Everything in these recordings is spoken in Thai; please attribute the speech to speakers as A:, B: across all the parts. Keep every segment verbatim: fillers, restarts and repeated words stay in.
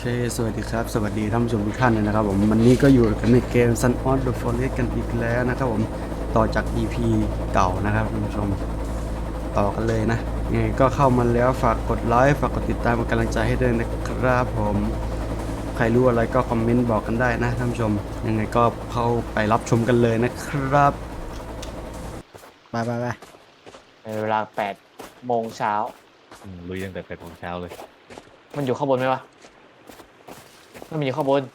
A: เคสวัสดีครับสวัสดีท่านผู้ชมทุกท่านเลยนะครับผมวันนี้ก็อยู่กันในเกม Sun of the Forest กันอีกแล้วนะครับผมต่อจาก อี พี เก่านะครับท่านผู้ชมต่อกันเลยนะยังไงก็เข้ามาแล้วฝากกดไลค์ฝากกดติดตามเป็นกำลังใจให้ด้วยนะครับผมใครรู้อะไรก็คอมเมนต์บอกกันได้นะท่านผู้ชมยังไงก็เข้าไปรับชมกันเลยนะครับไปไปไป
B: ในเวลาแปดโมงเช้า
C: อืมลุยตั้งแต่แปดโมงเช้าเลย
B: มันอยู่ข้างบนไหมวะมันมีอยู่ข้างบน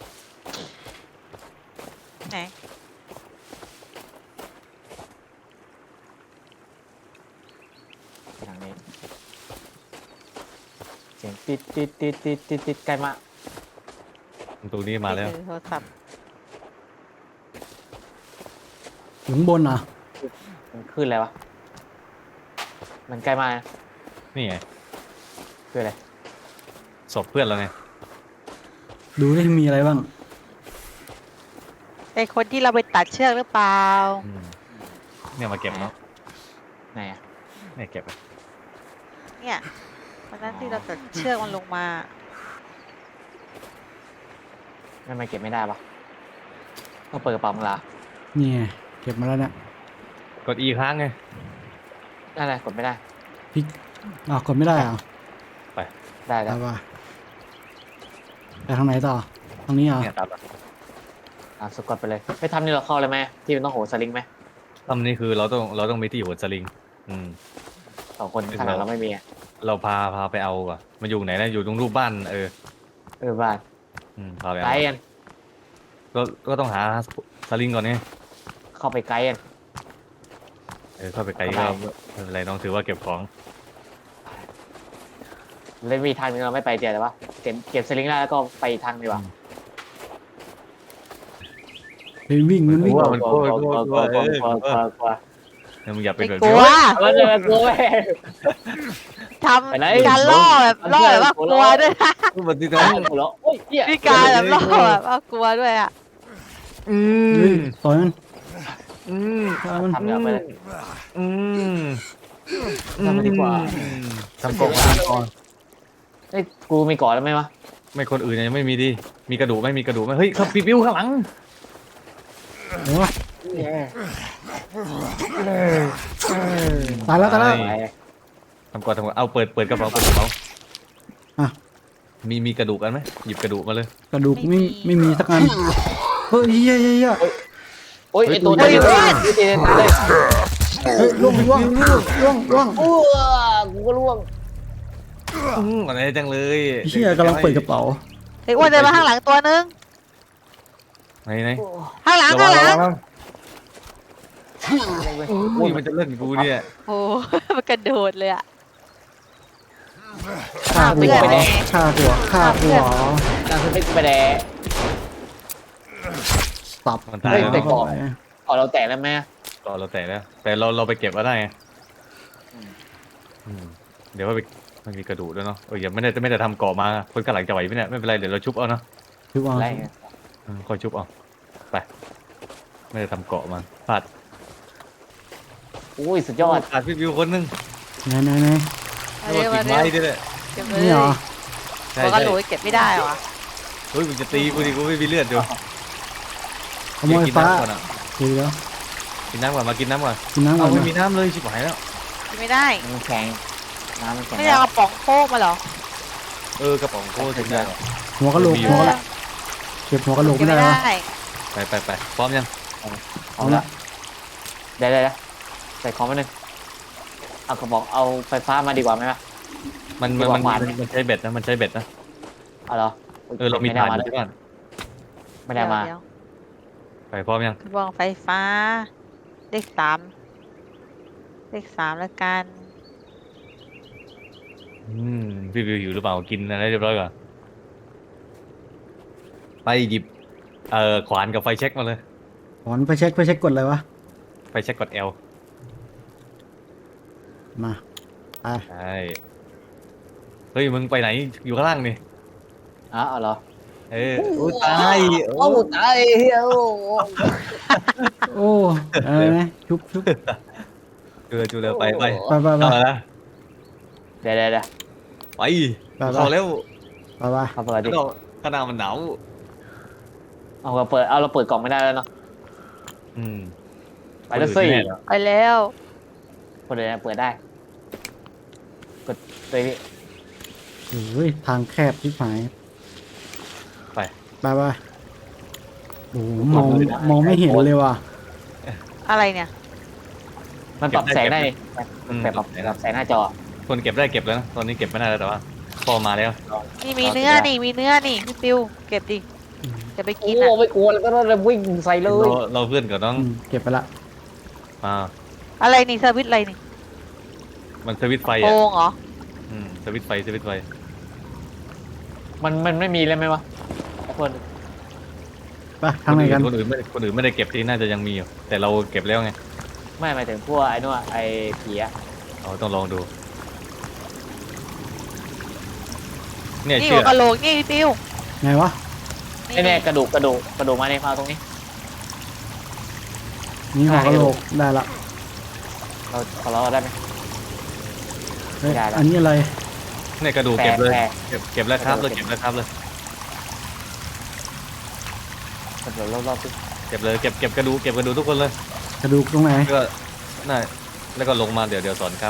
D: ไหน
B: ทางนี้เสียงติดติดติดติดติดติดใกล้มาก
C: ตรงนี้มาแล้ว
D: ถือโทรศัพท์
A: ถึงบนอ่ะ
B: มันขึ้นแล้ววะมันใกล้มากนะ
C: นี่ไง
B: คืออะไร
C: ศพเพื่อนเราไง
A: ดูได้มีอะไรบ้าง
D: เป็นคนที่เราไปตัดเชือกหรือเปล่า
C: อืมเนี่ยมาเก็บเนาะ
B: ไหนอะ
C: เนี่ยเก็บอะ
D: เนี่ยวันนั้นที่เราตัดเชือกมันลงมา
B: ทำไมเก็บไม่ได้ปะต้องเปิดกระเป๋ามึงละ
A: นี่ไงเก็บมาแล้วเนี่ย
C: กดอีค้างไง
B: นั่นแหละกดไม่ได้
A: พี่อ้าวกดไม่ได้อ่ะ
B: ได้
A: ไป
B: แล้ว
A: ว่าไปทางไหนต่อทางนี้อ่ะ
C: เนี่ยตามมา
B: อ่ะสกดไปเลยไม่ทำนี่เราเข้าเลยไหมที่มันต้องโหนสลิงไหม
C: ทำนี่คือเราต้องเราต้องมีที่หัวสลิง อืม
B: สองคนขนาดเราไม่มีอะ
C: เราพาพาไปเอาอ่ะมันอยู่ไหนนะอยู่ตรงรูปบ้านเออ
B: เออบ้าน
C: อืมพาไป
B: ไก
C: เอา
B: ด์กัน
C: ก็ก็ต้องหาสลิงก่อนไง
B: เข้าไปไกด์กัน
C: เออเข้าไปไกลก็ไม่เป็นไรน้องถือว่าเก็บของ
B: เลยมีทางนึงเราไม่ไปเจอแต่ว่าเก็บเก็บสลิงได้แล้วก็ไปอีกทางดีกว่า
A: ไปวิ่งมันวิ่ง
C: กลัวมันกลัวกลัวกลัวเออก
B: ลัว
C: ลั
B: กลัว
C: ว
B: กลัว
C: เนี่ยมึงอย่าเป็น
D: ไม่
C: แบบ
D: กลั
C: นี้
D: ว
B: มันจะกลัวไหม
D: ท
B: ไปไหน
D: ำการล่อแบบล่อแบบว่ากลัวด้วยนะ
C: พูดแบบนี้
B: น้
C: นะ
B: องหัวเราะโอ้ยเหี้ย
D: มีการแบบล่อแบบว่ากลัวด้วยอ่ะ
C: อื
A: เฮ้ย
C: ม
A: ต่อยมัน
C: อืม
A: ต่อยมัน
B: ทำเดี๋ยวไปเลย
C: อืม
B: ทำมาดีกว่า
C: ทำกล่องมาก่อน
B: เอ้ยกูมีก่อนแล้วไหมวะ
C: ไม่คนอื่นยังไม่มีดิมีกระดูกไหม่มีกระดูกไหมเฮ้ยครับปิดวิวข้างหลัง
A: โอ้ตายแล้วตายแล้ว
B: ไป
C: ทำก่อนทำก่อนเอาเปิดเปิดกระเป๋าเปิดกระเป๋า
A: อ่ะ
C: มีมีกระดูกกันไหมหยิบกระดูกมาเลย
A: กระดูกไม่ไม่มีสักอันเฮ้ยเฮ้ยเฮ้ยเฮ้ย
B: โอ้ย
C: เฮ้ย
B: ไอตัว
C: เฮ้
B: เดี
C: ย
B: ยวเลยตีเลยตายเลย
A: เฮ้ยล่วงล่วงล่วงล่วง
B: โอ้กูก็ล่วง
C: อืมอะไรจังเลย
A: เชี่ยกำลังเปิดกระเป๋า
D: ไอ้อ้วนเดินมาข้างหลังตัวนึง
C: ไหนไหน
D: ข้างหลัง
C: ระวั
D: ข้าง งหลัง
C: ระวังอุ้ยมันจะเล่นกูเนี่ย
D: โอ้ มันกระโดดเลยอ่ะ
A: ฆ่าหัวฆ่าหัวฆ่าหัว
B: นางสติ๊กไปแดง
A: สับ
C: มันตาย
B: เฮ้ย
C: แล้ว
B: แต่ก่อน ก่อนเราแตะแล้วไหม
C: ต่อเราแต่แล้วแต่เราเราไปเก็บมาได้ไงอืมเดี๋ยวว่าไปมันมีกระดูกด้วยเนาะเอออย่าไม่ได้ไม่ได้ทำเกาะมาคนข้างหลังจะไหวไหมเนี่ยไม่เป็นไรเดี๋ยวเราชุบเอาเนาะ
A: คือว่า
B: อะไรเงี้ย
C: อืมค่อยชุบเอาไปไม่ได้ทำเกาะมาพลาด
B: อุ้ยสุดยอด
C: ขาดพี่วิวคนนึง
A: ไหนไหนไหน
D: เอา
C: โด
D: เร็
C: น
D: ว
C: กิ่
D: มาง เร็ว
C: ไม้ด้วยแหละ
D: เก็บเลย
A: นี่เหรอ
C: ใช่
D: บอกกระ
C: ใช่
D: โหลกเก็บไม่ได้เหรอ
C: เฮ้ยมึงจะตีกูดิกูไม่มีเลือดอยู่
A: ขโมย
C: กิน
A: ฟ้า
C: น้ำก่อนอ่ะ
A: เดี๋ยว
C: กินน้ำก่อนมากินน้ำก่อน
A: กินน้ำก่อ
C: เอา
A: น
C: ไม่
A: นะ
C: มีน้ำเลยชิบหายแล้ว
D: กินไม่ได้
B: มันแข็งน้ำมันแข็ง
D: ไม่ได้เอากระป๋องโค้กมาเหรอ
C: เออกระป๋องโค้กถึงได้หรอ
A: หัวกะโหลก
C: มี
A: หัวกะโหลกเก็บหัวกะโหลก
D: เก็บ
A: ไม่
D: ไม่
A: ได้
D: ได้
A: วะ
C: ไปไปไปพร้อมยัง
A: เอาละ
B: เดี๋ยวเดี๋ยวใส่ของมาหนึ่งเอากระบอกเอาไฟฟ้ามาดีกว่าไหมวะ
C: มันมันมันมันมันใช้เบ็ดนะมันใช้เบ็ดนะ
B: เอาเหรอ
C: เออเรามี
B: ไได้
C: ถ่าน
B: มา
C: อยู่ที่บ้าน
B: ไม่ได้มา
D: เดี๋ยว
C: ไปพร้อมยัง
D: กระบองไฟฟ้า เลขสามเลขสามแล้วกัน
C: อืมพี่วิวอยู่หรือเปล่ากินอะไรเรียบร้อยก่อนไปหยิบเอ่อขวานกับไฟเช็คมาเลย
A: ถอนไปเช็คไปเช็คกดอะไรวะ
C: ไฟเช็คกด L
A: มาไป
C: ใช่เฮ้ยมึงไปไหนอยู่ข้างล่างนี่
B: อ๋อเอาเหรอ
C: เออโอ้ตายโอ้
B: โอ้ตายเฮียโอ้
A: โอ้อะไรนะชุบชุบ
C: เออจูเลยไปไป
A: ไปไปไป
C: เข้ามาแล้ว
B: เดี๋ยวเดี๋ยวเดี๋ยว
C: ไปเข้าแล้ว
A: ไปไป
B: เอาเปิดดิ
C: แล้วข้างหน้ามันหนาว
B: เอาเราเปิดเอาเราเปิดกล่องไม่ได้แล้วเนาะ
C: อืม
B: ไปแล้วสิ
C: คนอื่นไม่แน่เหรอ
D: ไปแล้ว
B: คนเดียวเปิดได้กดไปพี่
A: โอ้ยทางแคบที่หาย
C: ไป
A: ไปไปโอ้โหมองมองไม่เห็นเลยว่ะ
D: อะไรเนี่ย
B: มันปรับแสงได้นี่
C: อืม
B: แบบปรับปรับแสงหน้าจอ
C: คนเก็บได้เก็บแล้วนะตอนนี้เก็บไม่ได้แล้วแต่ว่าพอมาแล้ว
D: นี่มีเนื้อนี่มีเนื้อนี่พี่ปิวเก็บดิจะไป
B: โอ้
D: กินอ่ะ
B: ไม่กลัวแล้วก็เราวิ่งใส่เล
C: เรา
B: ย
C: เราเพื่อนกับน้อง
A: อืมเก็บไปละ
C: อ่า
D: อะไรนี่สวิตช์อะไรนี่
C: มันสวิตช์ไฟ
D: โก
C: อ่ะ
D: งเหรอ
C: อืมสวิตช์ไฟสวิตช์ไฟ
B: มันมันไม่มีเลยไหมวะทุกคน
A: ไปทางไหนกัน
C: คนอื่นไม่คนอื่นไม่ได้เก็บที่น่าจะยังมีอยู่แต่เราเก็บแล้วไง
B: ไม่หมายถึงพวกไอ้นู่นอะไอ้ผีอะ
C: เราต้องลองดูเนี่ย
D: นี่
C: เชื่
D: หั
C: อ
D: วกะโหลกนี่พี่ปิว
A: ไงวะ
B: ไอ้เนี่ยกระดูกกระดูกกระดูกมาในมาตรงนี้
A: นี่หัวกะโหลกได้ละ
B: เราขอเราได้ไหม
A: เฮ้ย
B: ได้ละ
A: อันนี้อะไร
C: เนี่ยกระดูกเก็บเลย
B: แปร
C: เก็บเก็บแล้วครับ
B: ก
C: เล
B: ระ
C: ย
B: ดูก
C: เก็บแล้วครับเลย
B: กระดูกรอบๆที่
C: เก็บเลยเก็บเก็บกระดูกเก็บกระดูกทุกคนเลย
A: กระดูกตรงไหน
C: แล้วก็น่าแล้วก็ลงมาเดี๋ยวเดี๋ยวสอนครับ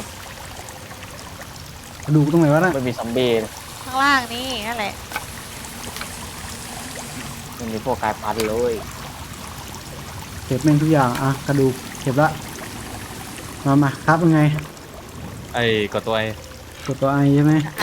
A: กระดูกตรงไหนวะน่ะ
B: มันมีซอมบี้
D: ข้างล่างนี่นั่นแหละ
B: มันมีพวกกายพันธุ์เลย
A: เก็บแม่งทุกอย่างอ่ะกระดูกเก็บละมามาครับยังไง
C: ไอ้กดตัวไอ้
A: กดตัวไอใช่ไหม
D: ไอ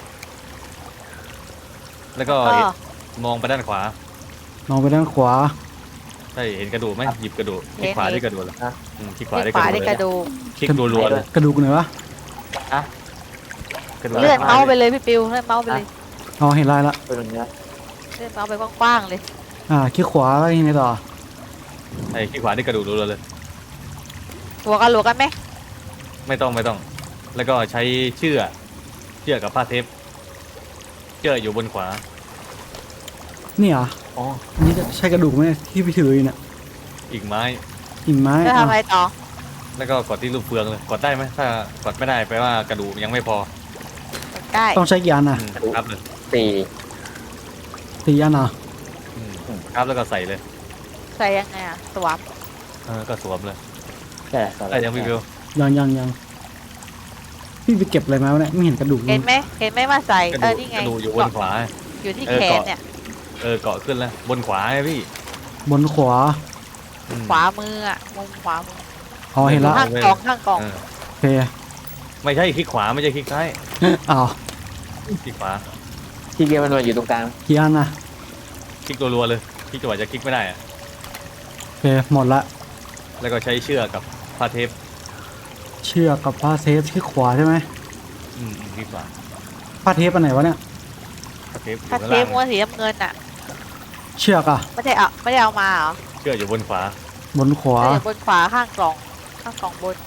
C: แล้วก็
D: ก็
C: มองไปด้านขวา
A: มองไปด้านขวา
C: ใช่เห็นกระดูกไหมหยิบกระดูกคลิกขวาที่กระดูกเลยอืมคลิกขวา
D: ที่
C: ได้
D: ข
C: กระ
D: วา
C: ดู
D: ได้
C: ก
D: ก
C: เล
D: ระ
C: ย
D: ดูก
C: คลิกรัวๆเลย
A: กระดูกไหนวะ
B: อะ
C: กระดูก
D: เลื่อนเมาส์ไปเลยพี่ปิวเลื่อนเมาส์ไปเลย
A: อ๋อเห็นลายละ
B: เป็นเนื้อ
D: เลื่อนเมาส์ไปกว้างๆเลย
A: อ่าคลิกขวาแล้วยังไงต่อ
C: ไอ้คลิกขวาที่กระดูกรัวๆเลย
D: หัวกะโหลกกันไหม
C: ไม่ต้องไม่ต้อง แล้วก็ใช้เชือกเชือกกับผ้าเทปเชือกอยู่บนขวา
A: นี่เหรอ
B: อ๋อ
A: อันนี่ใช่กระดูกไหมที่พี่ถืออยู่เนี่ย
C: อีกไม้
A: กิ่งไม้
D: จะ
A: อ่ะ
D: ทำอะไรต่อ
C: แล้วก็กดที่รูปเฟืองเลยกดได้ไหมถ้ากดไม่ได้แปลว่ากระดูกยังไม่พอ
D: ได้
A: ต้องใช้กี่อันอ่ะ
C: อืมครับเลย
B: สี่
A: สี่อันเหรอ
C: อืมครับแล้วก็ใส่เลย
D: ใส่ยังไงอ่ะสวม
C: เออก็สวมเลย
B: ใช่
C: ได้ยังพี่วิว
A: ยังยังยังพี่ไปเก็บอะไรมาวะเนี่ยไม่เห็นกระดูกเล
D: เห็
A: ย
D: นไหมเห็นไหมว่าใส่
C: กระ
D: เอ
C: ดู
D: อก นี่ไง
C: กระดูกอยู่บนขวา
D: อยู่ที่
C: เออ
D: แขน
C: เกาะ
D: เนี่ย
C: เออเกาะขึ้นแล้วบนขวาไงพี่
A: บนขวา
C: อืม
D: ขวามืออ่ะมุมขวามือ
A: อ๋อเห็นละ
D: ข้างกล่องข้างกล่อง
C: เออ
A: โอเค
C: ไม่ใช่คลิกขวาไม่ใช่คลิกซ้าย
A: อ้าว
C: คลิกขวา
B: ที่เกียร์มันอยู่ตรงกลาง
A: กี่อันอ่ะ
C: คลิกรัวๆเลยคลิกจังหวะจะคลิกไม่ได้อะ
A: โอเคหมดละ
C: แล้วก็ใช้เชือกกับผ้าเทป
A: เชือกกับผ้าเทปที่ขวาใช่ไหม
C: อืมคลิกขวา
A: ผ้าเทปอันไหนวะเนี่ย
C: ผ้าเทปอยู่
D: ถ้า
C: ข้าง
D: เท
C: ล่า
D: ป
C: ง
D: ม้วนสีน้ำเงินอ่ะ
A: เชือกอ่ะ
D: ไม่ได้เอาไม่ได้เอามาเหรอ
C: เชือกอยู่บนขวา
A: บนขวา
D: ไม่ได้อยู่บนขวาข้างกล่องข้างกล่องบน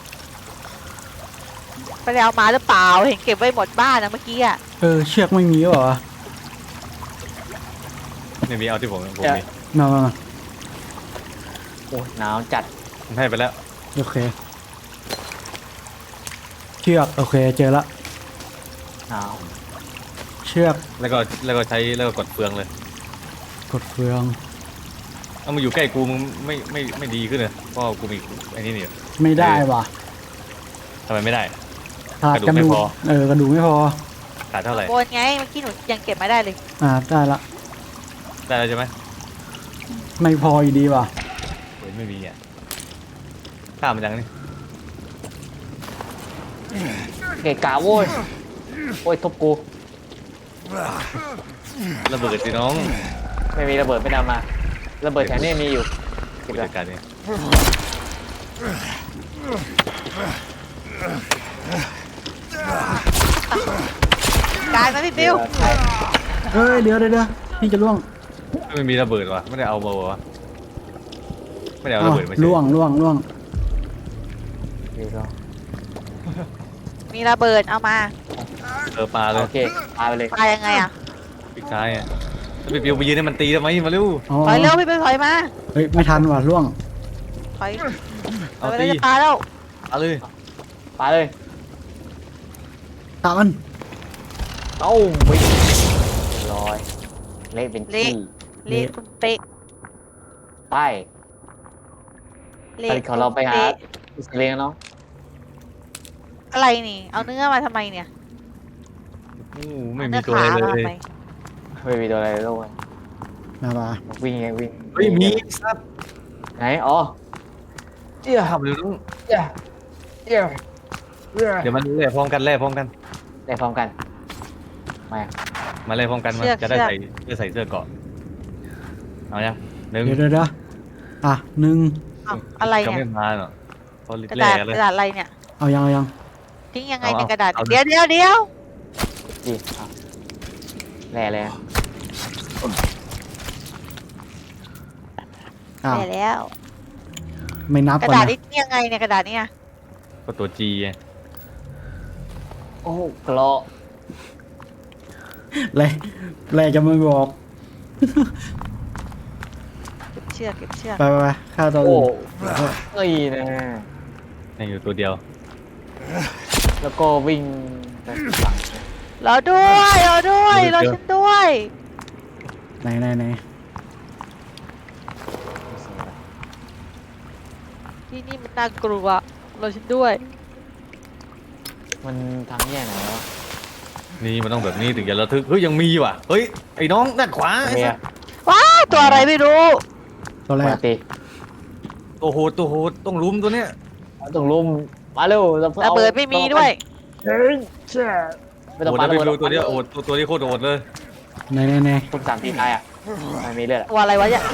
D: ไม่ได้เอามาหรือเปล่าเห็นเก็บไว้หมดบ้านนะเมื่อกี้อ่ะ
A: เออเชือกไม่มีเหรอ
C: ไม่มีเอาที่ผมผมมี
A: มามามา
B: โอ้ยหนาวจัด
C: ผมให้ไปแล้ว
A: โอเคเชือกโอเคเจอละ
B: หนาว
A: เชือก
C: แล้วก็แล้วก็ใช้แล้วก็กดเฟืองเลย
A: กดเฟือง
C: เอามาอยู่ใกล้กูมึงไม่ไม่ไม่ดีขึ้นเลยเพราะกูมีไอ้นี่นี่
A: ไม่ได้ว่ะ
C: ทำไมไม่ได้
A: ขาด
C: ก
A: ก
C: ระ
A: ระ
C: ดู
A: ดู
C: ก
A: ก
C: ไม่พอ
A: เออกระดูกไม่พอ
C: ขาดเท่าไหร่
D: บนไงเมื่อกี้หนูยังเก็บไม่ได้เลย
A: อ่าได้ละ
C: ได้แล้วใช่ไหม
A: ไม่พออยู่ดีว่ะ
C: โอ้ยไม่มีอ่ะข้ามมันยังนี่
B: เกะกะโว้ยโอ้ยทุบกู
C: ระเบิดสิน้อง
B: ไม่มีระเบิดไม่นำมาระเบิดแถวนี้มีอยู่เก็
C: ผู้
B: บแล้
C: จั
B: ว
C: ดการนี่
D: กลายมาพี่บิว
A: เอ้ยเดี๋ยวเดี๋ยวเดี๋ยวพี่จะล่วง
C: ไม่มีระเบิดวะไม่ได้เอามาวะไม่ได้เอา
A: อ้า
C: ระ
A: ว
C: เบิดมาใช่
A: ล่วงล่วงล่วง
B: เดี๋ยวเรา
D: มีระเบิดเอามา
C: เออปลาเลย
B: โอเคพาไปเลย
D: ปายังไงอ่ะ
C: ปิกซ้ายอ่ะแล้วไปเปียวไปยืนให้มันตีทำไมมาเร็ว
A: อ๋อ
D: ถอยเร็วพี่บิวถอยมา
A: เฮ้ยไม่ทันว่ะล่วง
D: ถอย
C: เอา
D: ถอย
C: ตี
D: ไปจะปาแล้ว
C: เอาเลย
B: ปาเลย
A: ตามมัน
B: เอ้าวิ่งร้อยเละเป็น
D: เละ
B: ขี้
D: เละตุ้มเป๊ะ
B: ไป
D: เละ
B: ไปของเราไปหา
D: ตุ้มป๊ะ
B: อิสเลียงเนาะ
D: อะไรนี่ เอาเนื้อมาทำไมเนี่ย
C: อู้ไม่
D: เอา
C: มี
D: เนื้อ
C: ตัว
D: ขา
C: อะไร
D: มา
C: เล
D: ทำ
C: ย
D: ไม
B: ไม่มีตัวอะไรเลยโลกเลย
A: มาปะ
B: วิ่งไงวิ่ง
C: เฮ้ยมีสัตว์
B: ไหนอ๋อเจี๊ย
C: ทำเร็วต้อง
B: เจี๊ยเจี๊ยเจี๊ย
C: เดี๋ยวมันแล่พร้อมกันแล่พร้อมกัน
B: ได้พร้อมกันมา
C: มาแล่พร้อมกันมา
D: เชือก
C: จะได้
D: เชือก
C: ใส่จะใส่เสื้อเกราะเอายังหนึ่ง
A: เดี๋ยวเดี๋ยวเดี๋ยวอ่ะหนึ่ง
D: เอาอะไร
C: ก็
D: เนี่
C: ไม่
D: ย
C: มาเนาะเขา
D: กระ
C: แล่
D: ดาษ
C: กันเล
D: ก
C: ย
D: ระดาษอะไรเนี่ย
A: เอายังเอายัง
D: ทิ้งยังไง
C: เอา
D: ใน
C: เอา
D: กระดาษ
C: เอา
D: เดี๋ยวเดี๋ยวเดี๋ยว
B: ดีเอาแร่เลยนะ
A: อ้าว
D: ได้แล้ว
A: ไม่นับ
D: กระ
A: ก่อน
D: ดาษ
A: นะ
D: นี่ทิ้งยังไงเนี่ยกระดาษเนี่ย
C: ก็ตัวจีไง
B: โอ้กรอ
A: เลยเลยจะไม่บอก
D: เก็บเชือกเก็บเชือก
A: ไปไปไปฆ่าตัว
B: โอ้
A: อื่น
B: เอ้ยนะ
C: ยังอยู่ตัวเดียว
B: แล้วก็วิ่งไปฝั่ง
D: รอด้วยรอด้วยรอฉันด้วย
A: ไหนไหนไหน
D: ที่นี่มันน่ากลัวรอฉันด้วย
B: มันทางแย่ไหนวะ
C: นี่มันต้องแบบนี้ถึงจะระทึกเฮ้ยยังมีว่ะเฮ้ยไอ้น้องด้านขวาไอ้
B: เมี
C: สั
B: ย
C: ส
D: ว้าตัวอะไรไม่รู้
A: ตัวแร
B: ป
A: ก
B: กติ
C: ตัวโหดตัวโหดต้องลุมตัวเนี้ย
B: ต้องลุมมาเร็วเราพิ่ง
D: ระ
B: อา
D: เบิดไม่มีด้วย
B: เฮ้ยเชี่ยไม่ต้อง
C: โหด
B: ปา
C: นะ
B: ระ
C: ไป
B: เบิด
C: ดูตัวเนี้ยโหดตัวตัวนี้โคตรโหดเลย
A: ไหนไหนไหน
B: คุณสามทีตายอ่ะไม่มีเลือดอะ
D: ตัวอะไรวะเนี่ย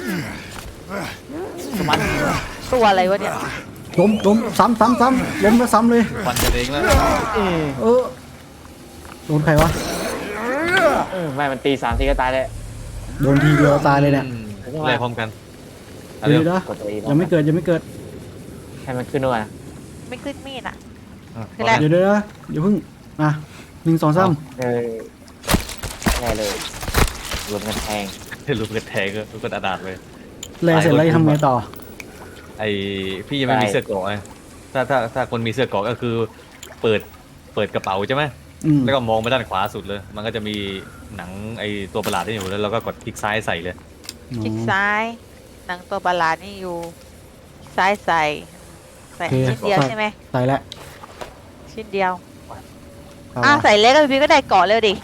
B: มัน
D: ตัวอะไรวะเนี่ย
A: ล้มล้มซ้ำซ้ำซ้ำล้มแล้วซ้ำเลย
C: ฟันกันเองแล้ว
A: เออโดนใครวะ
B: เออไม่มันตีสามทีก็ตายเลย
A: โดนทีเดียวตายเลยเนี่ย
C: แล่พร้อมกันเอา
A: เดี๋
C: เร็
A: ยว วเดี๋ยว
B: กดตัวอี
A: ยังไม่เกิดยังไม่เกิด
B: ให้มันขึ้นด้วยนะ
D: ไม่ขึ้นมีดอ่ะ
C: อ่ะ
D: คือแหละ
A: เดี๋ยวเดี๋ยวเดี๋ยวอย่าเพิ่งอ่ะหนึ่งสองสาม
B: เออแน่เลยรวมกันแทง
C: เห็นรูปกระแทกก็รูปกระดาษเลย
A: แลเสร็จแล้วจะทำไงต่อ
C: ไอพี่ยังไม่มีเสื้อเกราะไงถ้าถ้าถ้าคนมีเสื้อเกราะก็คือเปิดเปิดกระเป๋าใช่ไหม
A: อืม
C: แล้วก็มองไปด้านขวาสุดเลย มันก็จะมีหนังไอตัวประหลาดที่อยู่แล้วเราก็กดคลิกซ้ายใส่เลย
D: คลิกซ้ายหนังตัวประหลาดนี่อยู่ ซ้ายใส่ใส่ชิ้นเดียวใช่ไหม
A: ใส่แล้ว
D: ชิ้นเดียว
A: เอา
D: อ่ะ
A: วะ
D: ใส่เล็กกับพี่ก็ได้เกาะเร็วดิ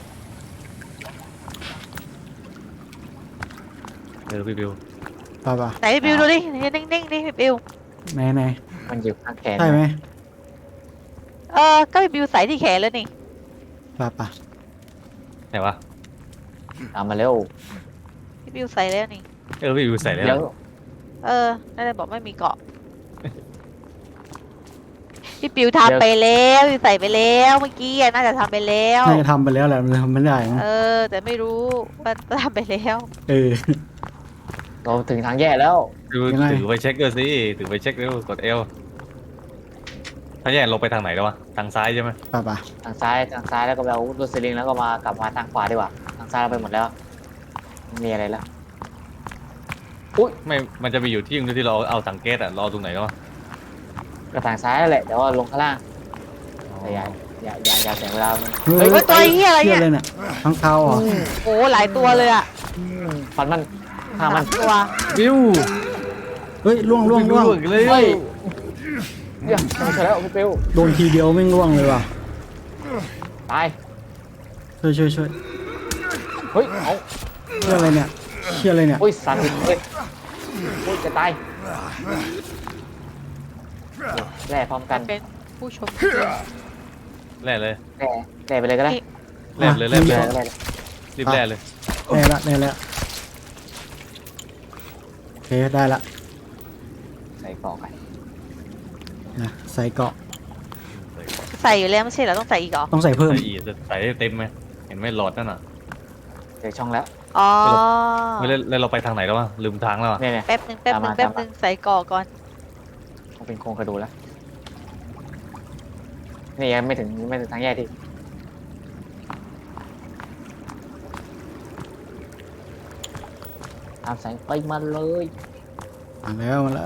C: เออพี่บิว
A: ไปไป
D: ไหนพี่บิวดูดินิ่งๆดิพี่บิว
A: ไหนไหน
B: มันอยู่ข้างแขน
A: ใช่ไหม
D: เออก็พี่บิวใส่ที่แขนแล้วนี่
A: ไปไป
C: ไหนวะ
B: ตามมาเร็ว
D: พี่บิวใส่แล้วนี่
C: เออพี่บิวใส่แล้ว
B: เดี๋ยว
D: เออนั่นเลยบอกไม่มีเกาะ พี่ปิวทำไปแล้วพี่ใส่ไปแล้วเมื่อกี้อะน่าจะทำไปแล้ว
A: น่าจะทำไปแล้วแหละมันทำไม่ได้นะ
D: เออ แต่ไม่รู้ว่าทำไปแล้ว
A: เออ
B: เราถึงทางแย่แล้ว
C: ดู
A: ยังไง
C: ถือไปเช็คด้วยสิถือไปเช็คเร็วกดเอลถ้าแย่ลงไปทางไหนแล้ววะทางซ้ายใช่ไหม
A: ไปไป
B: ทางซ้ายทางซ้ายแล้วก็ไปเอารถสลิงแล้วก็มากลับมาทางขวาดีกว่าทางซ้ายเราไปหมดแล้วไม่มีอะไรแล้ว
C: ไม่มันจะมีอยู่ที่นึงที่เราเอาถังแก๊สอะรอตรงไหนแล้ววะ
B: ก็ทางซ้ายนั่นแหละแต่ว่าลงข้างล่างแต่อย่าอย่าอย่าอย่าเสียเวลามัน
A: เฮ้
D: เฮ้ยว่าตัวไอ้เหี้ยอะไร
A: เหี้ย
D: เนี่ย
A: อะไรเนี่ยทั้งเท้าเหรอ
D: โอ้หลายตัวเลยอ่ะ
B: ฟันมันข้างมัน
D: ตัว
C: บิว
A: เฮ้ยล่วงล่วงล่วง
C: เลย
B: เฮ้ยเดี๋ยวไม่ใช่แล้วพี่ปิว
A: โดนทีเดียวไม่งล่วงเลยว่ะ
B: ตาย
A: ช่วยช่วยช่วย
B: เฮ้ยเอา
A: เชี่ยอะไรเนี่ยเชี่ยอะไรเนี่ย
B: อุ้ยสั่นเลยเฮ้ยอุ้ยจะตายแร่พร้อมกัน
D: เป็นผู้ชม
C: แล่เลย
B: แร่แร่ไปเลยก็ได้
C: แล่เลยแล่
B: แร่
C: เลย
B: แร่
C: รีบแล่เลย
A: แน่ละแน่ละโอเคได้ละ
B: ใส่กล่องไป
A: นะใส่เกาะ
D: ใส่อยู่แล้วไม่ใช่เหรอต้องใส่อีกเหรอ
A: ต้องใส่เพิ่ม
C: ใส่อีกจะใส่ให้เต็มไหมเห็นไหมหลอดนั่นน่ะ
B: เดี๋ยวช่องแล้ว
D: อ๋อ
C: ไม่เล่นแล้วเราไปทางไหนแล้ววะลืมทางแล้วอะ
B: เนี่ยเนี่ย
D: แป๊บหนึ่งแป๊บหนึ่ง
B: ตามมา
D: แป๊บหนึ่งใส่ก่อก่อน
B: ต้องเป็นโครงกระดูกแล้วนี่ยังไม่ถึงไม่ถึงทางแยกที่ตามสายไปมาเลย
A: มาแล้วมาแล้ว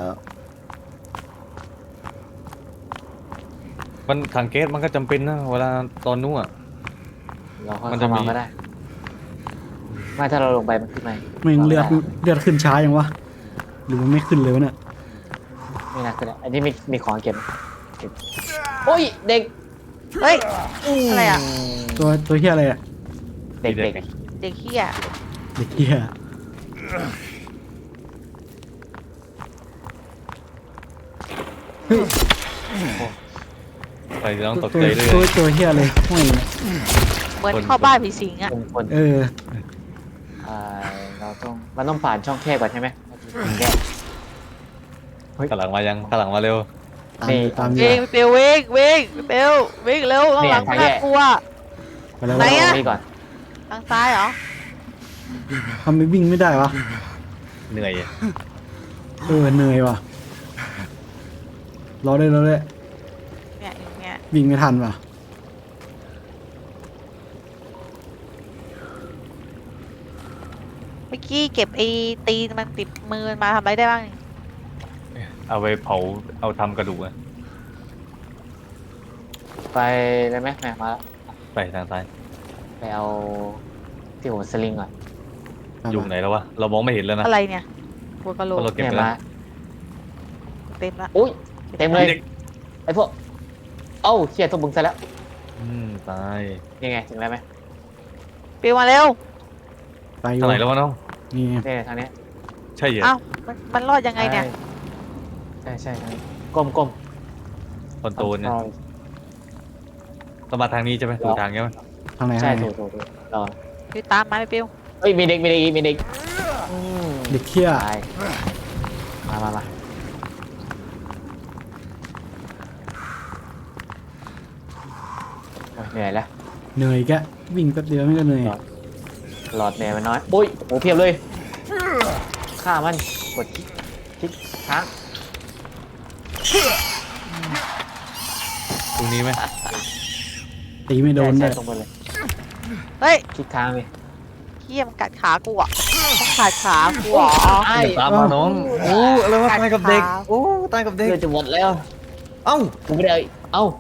C: มันถังแก๊สมันก็จำเป็นนะเวลาตอนนู้นอะ
B: เราค่อย
C: มันจะ
B: เข้า
C: มี
B: มาก็ได้ไม่ถ้าเราลงไปมันขึ้นไหม
A: แม่งเลือดเลือดขึ้นช้ายังวะหรือมันไม่ขึ้นเลยวะเนี่ย
B: ไม่น่าขึ้นอะอันนี้มีมีของเก็บเก็บโอ้ยเด็ก
D: เฮ้ย อะไรอ่ะ
A: ตัวตัวเฮียอะไรอะ
B: เด็กเด็ก
D: เด็กเหี้ย
A: เด็กเฮียเฮ้ย
C: ไปต้องตก
A: ตัว
C: ใจด้วย
A: ตัวตัวเฮียเลยห้อยเนี่ย
D: เหมือนเข้าบ้านผีสิงอ่ะ
B: คนคน
A: เออ
B: อ่าเราต้องมันต้องผ่านช่องแคบก่อนใช่ไหมแก้
C: ข้างหลังมายังข้างหลังมาเร็ว
A: ตาม
B: นี่
A: ตาม
D: เว
A: นี่
D: งเปลวเวงเวงเปลวเวงเร็วข้างหลัง
B: เนี่ยทางแย
D: น่าก กลัว
A: ไปแล้ว
D: ไหนอะ
B: นี่ก่อน
D: ทางซ้ายเหรอ
A: ทำไมวิ่งไม่ได้วะ
C: เหนื่อย
A: เออเหนื่อยว่ะรอได้รอได้
D: เนี่ยอย่างเงี้ย
A: วิ่งไม่ทันว่ะ
D: เมื่อกี้เก็บไอ้ตีนมันติดมือมันมาทำอะไรได้บ้าง
C: เอาไปเผาเอาทำกระดูกอะ
B: ไปเลยไหมแม่มาแล้ว
C: ไปทางซ้าย
B: ไปเอาที่หัวสลิงก่อน
A: ตาม
C: อยู่
A: มา
C: ไหนแล้ววะเรามองไม่เห็นแล้วนะ
D: อะไรเนี่ยหัวกะโหล
C: เพราะ
D: ก
C: เราเก็บ
B: เนี่ย
C: ไปแล้
B: มาว
D: เต็มละ
B: อุ้ยเต็มเลย
C: เด็ก
B: ไอ้พวกเอ้าเชี่ยตัวบึงซะแล้ว
C: อืมตาย
B: ยังไงถึงแล้วไหม
D: เปลวมาเร็ว
A: ไปอยู่
C: ทางไหนแล้ววะน้อง
A: นี่ไง
B: เนี่ยทางเนี้ย
C: ใช่เหรอ
D: เอ้ามันมันรอดยังไงเนี่ย
B: ใช่ใช่ใช่ทางนี้ก้มก้ม
C: คอนโทรลเนี่ยต้องมาทางนี้ใช่ไหมถูกทางใช่ไหม
A: ทางไหน
B: ใช่
A: ทางไหน
B: ถูกถูกถูกรอ
D: ไปตามมาไปเปลว
B: เฮ้ยมีเด็กมีเด็กมีเด็กอืม
A: เด็กเฮีย
B: ตายมามามาโอ้ยเหนื่อยแล้ว
A: เหนื่อยแกวิ่งแป๊บเดียวไม่ก็เหนื่อย
B: หลอดเหนื่อยมันน้อยโอ้ยโอ้เพียบเลยฆ่ามันกดคลิกคลิกค้าง
C: ตรงนี้ไหม
A: ตีไม่โดน
B: ใช่
A: เลย
B: ใช่ตรงไปเลย
D: เฮ้ย
B: คลิกค้างเลย
D: เฮียมันกัดขากูอ่ะมันขาดขากูอ่ะ
B: ไอ้
C: ตามมาน้องโอ้อะไรวะตายกับเด็กโอ้ตายกับเด็ก
B: เลือดจะหมดแล้ว
C: เอ้า
B: กูไม่ได้เอ้า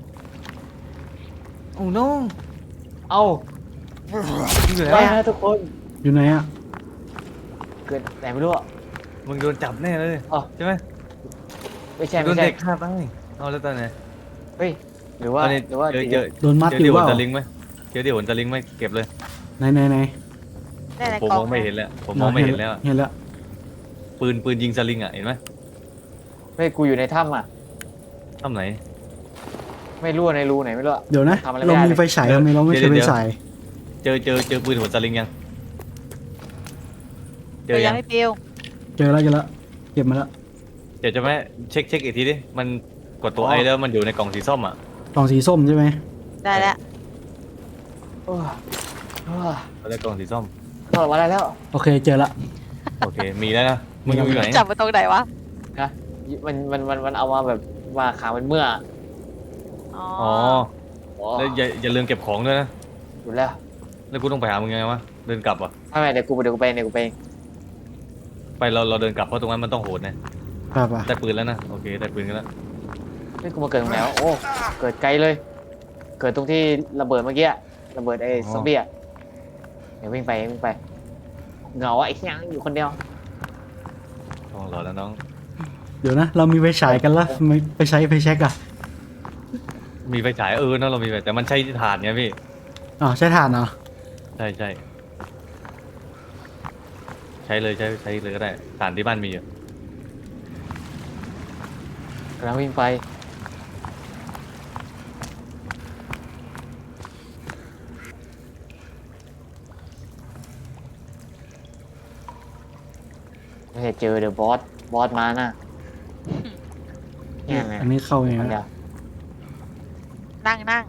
C: โอ้น้อง
B: เอ้า
C: อยู่ไหน
B: ไป
C: วะ
B: นะทุกคน
A: อยู่ไหนอะ
B: เกิดแต่ไม่รู้อ่ะ
C: มึงโดนจับแน่เลย
B: อ๋อ
C: ใช่ไหม
B: ไม่ใช่
C: โด
B: ไม่
C: น
B: ใช่
C: เด็กฆ่าตายเอาแล้วตอนไหน
B: เฮ้ยหรือว่า
C: ตอนนี้
B: หรือว่า
C: เจอเจอ
A: โดนมัด
C: เจอ
A: อ
C: เดี๋
A: ยู่
C: ยว
A: เป
C: ผ
A: ล่า
C: ลจะลิงก์ไหมเจอเดี๋ยวผลจะลิงก์ไหมเก็บเลย
A: ไหนไหนไหน
D: แน่ใน
C: ผม
D: กล่อ
C: มอง งไม่เห็นแล้วผมมองไม่เห็นแล้ว
A: เห็นแล้ว
C: ปืนปืนยิงสลิงอ่ะเห็นไหม
B: เฮ้ยกูอยู่ในถ้ำอ่ะ
C: ทำไหน
B: ไม่รู้ว่าในรูไหนไม่รู้อะ
A: เดี๋ยวนะ
B: ทำอะไรไม่
A: เรา
B: ได้
A: มีไฟฉายทำไมเราไม่
C: เดี๋
A: ใช้
C: ยว
A: ไฟ
C: เดี๋ยว
A: ฉาย
C: เจอเจอเจอปืนหัวสลิงยังเจ
D: เจ
C: อ
D: อยั
C: ยัง ง
D: ไม่เปลว
A: เจอแล้วเจอแล้วเก็บมาแล้ว
C: เดี๋ยวจะไหมเช็คเช็คอีกทีดิมันกดตัวไอแล้วมันอยู่ในกล่องสีส้มอ่ะ
A: กล่องสีส้มใช่ไหม
D: ได้แล้ว
B: โอ้ยโอ้ย
C: เอาแล้วกล่องสีส้ม
B: ถอดมาได้แล้ว
A: โอเคเจอละ
C: โอเคมีแล้วนะมึงอยู่ไหน
D: จับมาตรงไหนวะ
B: นะมันมันมันมันเอามาแบบมาขามันเมื่อ
D: อ๋อ
C: อ๋อ
B: โอ้
C: แล้วอย่าอย่าลืมเก็บของด้วยนะ
B: อยู่แล้ว
C: แล้วกูต้องไปหามึงยังไงวะเดินกลับอ่ะ
B: ไม่ไม่เดี๋ยวกูเดี๋ยวกูไปเดี๋ยวกูไปเอง
C: ไปเราเราเดินกลับเพราะตรงนั้นมันต้องโหดนะ
A: ป่ะป่ะ
C: ได้ปืนแล้วนะโอเคได้ปืนกันแล้ว
B: เฮ้ยกูมาเกิดตรงไหนวะโอ้เกิดไกลเลย เกิดตรงที่ระเบิดเมื่อกี้อะระเบิดไอ้ซอมบี้อะเดี๋ยววิ่งไปวิ่งไปเหงาอะไอ้เหี้ยอยู่คนเดียว
C: ต้องรอแล้วน้อง
A: เดี๋ยวนะ เรามีไฟฉายกันละทำไมไปใช้ไฟแช็กอะ
C: มีไฟฉายเออเนอะเรามีไฟแต่มันใช้ถ่านไงพี่
A: อ๋อใช้ถ่านเหรอ
C: ใช่ใช่ใช้เลยใช้ใช้เลยก็ได้ถ่านที่บ้านมีอยู่
B: กำลังวิ่งไปไม่ได้เจอเดอะบอสบอสมาน่ะเนี่ยไง
A: อันนี้เข้าไง
B: คนเดีย
A: นะ
B: ว
D: นั่งนั่ง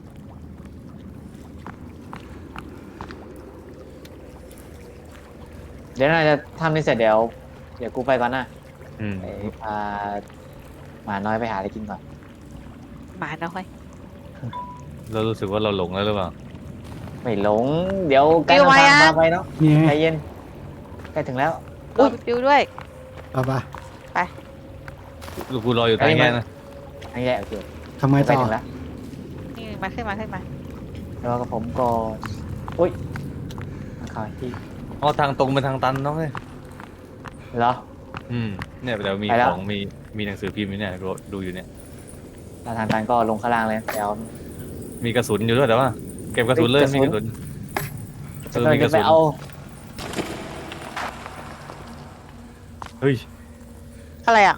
B: เดี๋ยวน่าจะทำนี่เสร็จเดี๋ยว เดี๋ยวกูไปก่อนนะ
C: อืม
B: ไปพาหมาน้อยไปหาอะไรกินก่อน
D: หมาน้อย
C: เรารู้สึกว่าเราหลงแล้วหรือเปล่า
B: ไม่หลง เดี๋ยวใกล้ทางพาไปเนาะ
A: นี่ไง
B: ใจเย็นใกล้ถึงแล้ว
D: รอปิวด้วย
A: ป่ะป่ะ
C: ลูกกูรออยู่ทางแง่นะ
B: อันนี้แหละโอเค
A: ทำไม
B: ไป
A: ต่อ
B: ถึงแล้ว
D: นี่มาขึ้นมาขึ้นมา
B: แล้วกับผมก็อุ้ยมาข่าวที่
C: อ๋อทางตรงเป็นทางตันเนาะเว้ย
B: เหรอ
C: อืมเนี่ยเดี๋ยวมี
B: ไปแล้ว
C: ของมีมีหนังสือพิมพ์อยู่เนี่ยดูดูอยู่เนี่ย
B: ถ้าทางตันก็ลงข้างล่างเลยเดี๋ยว
C: มีกระสุนอยู่ด้วยแต่ว่าเก็บกระสุนเลย
B: เฮ้ย
C: มี
B: ก
C: ก
B: ระ
C: ระ
B: สุ
C: สุ
B: น
C: นเอ
B: จะ
C: อก
B: ำลั
C: มี
B: ง
C: ก
B: จะ
C: ระ
B: ไป
C: สุน
B: เอา
C: เฮ้ย
D: อะไรอ่ะ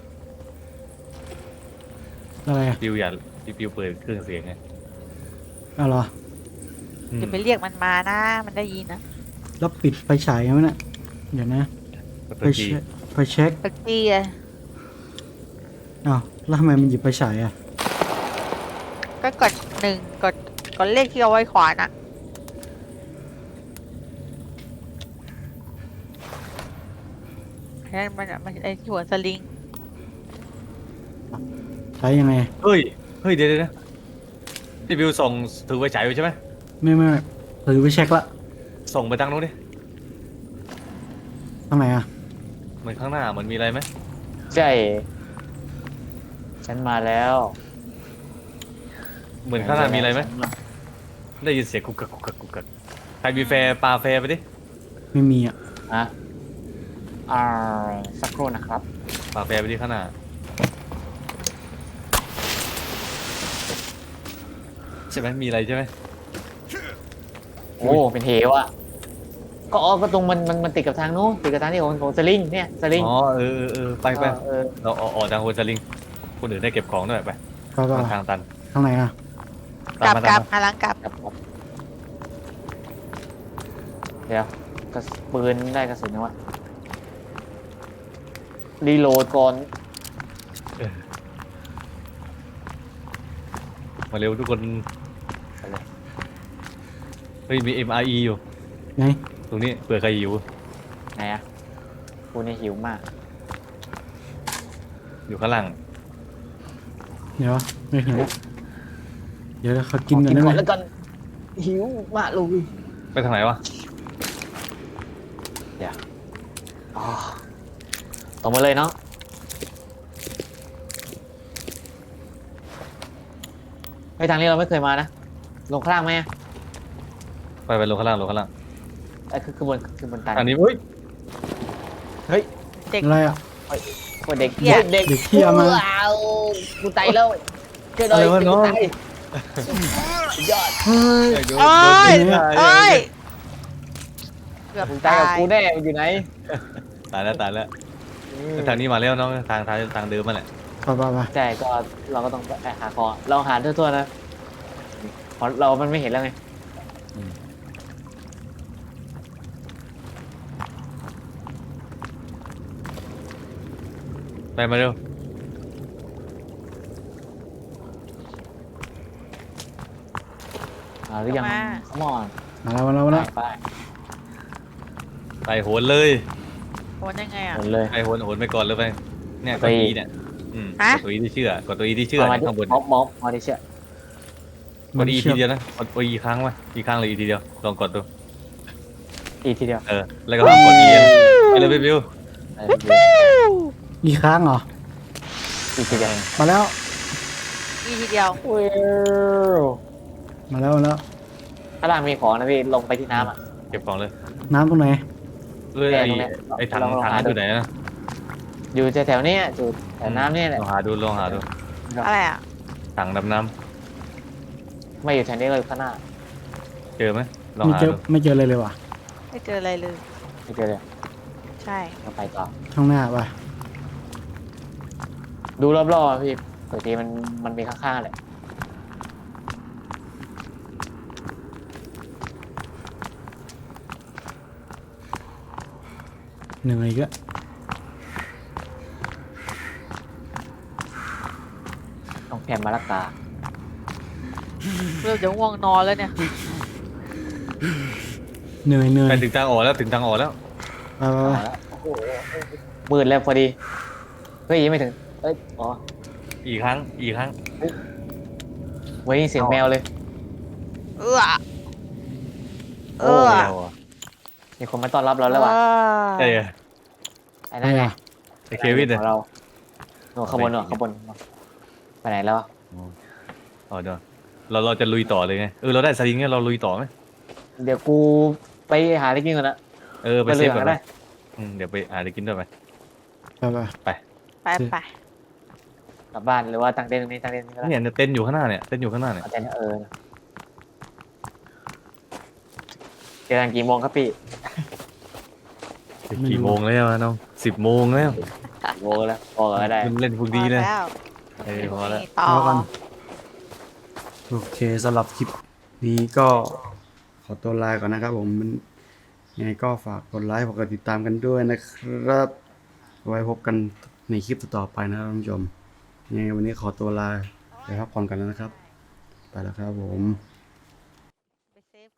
A: อะไรอะ
C: ปิวอย่าปิวเปิดเครื่องเสียงไง
A: เอาเหรอ
C: อืม
D: จะไปเรียกมันมานะ มันได้ยินนะ
A: แล้วปิดไฟฉายยังไงเนี่ยเดี๋ยวนะ
C: กด
A: ไฟ
C: ตัวจี
A: เช็คไฟเช็ค
D: ตะกี้อะ
A: อ้าวแล้วทำไมมันหยิบไฟฉายอ่ะ
D: ก็กดหนึ่งกดกดเลขที่เอาไว้ขวาน่ะนั่นมันอะมันไอ้ที่หัวสลิง
A: ใช้ยังไง
C: เฮ้ยเฮ้ยเดี๋ยวเดี๋ยวเดี๋ยวที่ปิวส่งถือไฟฉายอยู่ใช่ไหม
A: ไม่ไม่ไม่ถือไฟเช็คละ
C: ส่งไปทางนู้นดิ
A: ทางไหนอ่ะ
C: เหมือนข้างหน้าเหมือนมีอะไรไหม
B: ใช่ฉันมาแล้ว
C: เหมือนข้างหน้ามีอะไรไหมได้ยินเสียงกุกกักกุกกักกุกกักใครมีแฟร์ปาแฟร์ไปดิ
A: ไม่มีอ่ะ
B: อ่ะอ่าสักครู่นะครับ
C: ปาแฟร์ไปที่ข้างหน้าใช่ไหมมีอะไรใช่ไหม
B: โอ้เป็นเหวอ่ะก็อ๋อก็ตรงมันมันมันติดกับทางนู้นติดกับทางที่ของของสลิงเนี่ยสลิง
C: อ๋อเออเออเออไปไป
B: เออ
C: เราออกออกทางโฮสลิงคนอื่นได้เก็บของด้วยไป
A: ก็ก็
C: มันทางตัน
A: ทางไหนอ่ะ
D: กลับ
C: ตามมาก
D: ลั
C: ตา
D: บ
C: มมา
D: หันหลังกลับ
B: ครับครับเดี๋ยวกระสปืนได้กระสุนยังวะรีโหลดก่อน
C: มาเร็วทุกคนเฮ้ยมี เอ็ม อาร์ อี อยู่
A: ไง
C: ตรงนี้เผื่อใครหิว
B: ไหนอะกูเนี่ยหิวมาก
C: อยู่ข้างล่าง
A: เดี๋ยวไม่เห็นเดี๋ยวเขากิน
B: ขอ
A: กันได้ไหม
B: แล้วกันหิวมากเลย
C: ไปทางไหนวะ
B: อ๋อตรงมาเลยเนาะไปทางนี้เราไม่เคยมานะลงข้างล่างไหมอะ
C: ไปไปลงข้างล่างลงข้างล่าง
B: ไอ้คือคือบนคือบนตัน
C: อันนี้เฮ้ย
B: เฮ้ย
D: เด็ก
A: อะไรอ่ะ
B: คนเด็ก
D: เหี้ย
B: เด็ก
A: เด็กเหี้ยมา
B: ว้าวกูตายแล้วเกิดอะไร
C: อะไรวะน้อง
B: ตายสุดยอด
A: เฮ้ย
C: ไอ้โดน
D: โอ้ย
C: โดน
D: โอ้ยเกือบ
B: มึงตาย
D: ตา
B: กับ
D: ย
B: กูแน่มันอยู่ไหน
C: ตายแล้วตายแล้วทางนี้มาแล้วน้องทางทางทางเดิมมาแหละ
A: ไปไปไป
B: ใช่ก็เราก็ต้องไปหาคอเราหาทั่วๆนะเพราะเรามันไม่เห็นแล้วไง
C: ไปมาเร็ว
B: หาหรือยังขมอน
A: มาแล้วมาแล้วมาแล้ว
B: ไป
C: ไปโหนเลย
D: โหนยังไงอ่ะ
B: หมดเลย
C: ไปโหนโหนไปก่อนเลยไปเนี่ย
B: ไป
C: ตัวอีเนี่ยอืม
D: ฮะ
C: กดตัวอีที่เชื่อกดตัวอีที่เชื่อ
B: มา
C: เนี่ยข้างบน
B: ม็อบม็อบมาดิเชื่อก
C: ดอีทีเดียวนะกดอีครั้งไว้อีครั้งเลยอีทีเดียวลองกดดู
B: อีกทีเดียว
C: เออแล้วก็ห้ามกดอีไปเลยไปบิว
B: เออ
A: อีกครั้งเหรอ
B: อีกทีเดียว
A: มาแล้ว
D: อีทีเดียว
B: ว้าว
A: มาแล้วมาแล้ว
B: ข้างล่างมีของนะพี่ลงไปที่น้ำอ่ะ
C: เก็บของเลย
A: น้ำตรงไหน
C: เอ้ย
B: แกะ
C: ไอ้
B: ตรงเนี้ย
C: ไอ้ถัง
B: ลองลอง
C: ถัง
B: หา
C: นั้น
B: ดู
C: อยู่ไหนนะ
B: อยู่แถวๆเนี้ยอยู่แถวน้ำเนี่ยแหละ
C: ลองหาดูลองหาดู
D: อะไรอ่ะ
C: ถังดำน้
B: ไม่อยู่แถวนี้เลยข้างหน้า
C: ำเจอไหมลอง
A: ไม่
C: หา
A: เจอ
C: ดู
A: ไม่เจออะไรเลยว่ะ
D: ไม่เจออะไรเลย
B: ไม่เจอเลย
D: ใช่
B: เราไปต่อ
A: ข้างหน้าป่ะ
B: ดูรอบๆอะพี่บางทีมันมันมีข้างๆแหละ
A: เหนื่อยก็
B: ต้องแพมมาละกา
D: เริ่มจะง่วงนอนแล้วเนี่ย
A: เหนื่อยเหนื่อย
C: ไปถึงทางออกแล้วถึงทางออกแล้ว
A: ไปไปไป
B: เอาละโอ้โหมืดแล้วพอดีเฮ้ยยังไม่ถึงเอ้ยอ๋อ
C: อีกครั้งอีกครั้ง
B: ไว้ยินเสียงแมวเลย
D: เออเอ
C: โอ้
D: อ
C: แมวอ่ะ
B: มีคนมาต้อนรับเราแล้วว่ะ
C: ใช่เหรอ
B: ไอ้
A: ไป
B: นั่นไง
A: อ่ะ
C: ไอ้เควิน
B: ข
C: เนี่ย
B: องเราหนูขบวนหนูขบวนไปไหนแล้วอะ
C: อ๋อเดี๋ยวเราเราจะลุยต่อเลยไงเออเราได้สลิงเนี่ยเราลุยต่อไหม
B: เดี๋ยวกูไปหาอะไรกินก่อนนะ
C: เออไป
B: ไป
C: เซ
B: เรื
C: ฟ
B: อ
C: ก่อน
B: ก็ได้
C: นะอืมเดี๋ยวไปหาอะไรกินด้วยไป
A: ไปไป
C: ไป
D: ไปไป
B: กลับบ้านหรือว่าตั้งเต็นท์ตรงนี้ตั้งเต็นท์ตรงนี้ก็ได้
C: เนี่ยเนี่ยเต้นอยู่ข้างหน้าเนี่ยเต้นอยู่ข้างหน้าเนี่ย
B: เอาเต็นท์เออเจอกันกี่โมงครับพี่
C: กี่โมงแล้วอะน้องสิบโมงแล้ว
B: กี่โมงแล้วพอก็ได้
C: มันเล่นพวก
D: พ
C: ดี
D: อ
C: เลย
D: แล้ว
C: เออพอแล้ว
D: นี่ต่อ
A: พอกัน โอเคสำหรับคลิปนี้ก็ขอตัวลาก่อนนะครับผมมันยังไงก็ฝากกดไลค์ฝากกดติดตามกันด้วยนะครับ ไว้พบกันในคลิปต่อๆไปนะครับท่านผู้ชมยังไงวันนี้ขอตัวลาไปพักผ่อนกันแล้วนะครับ ไปแล้วครับผม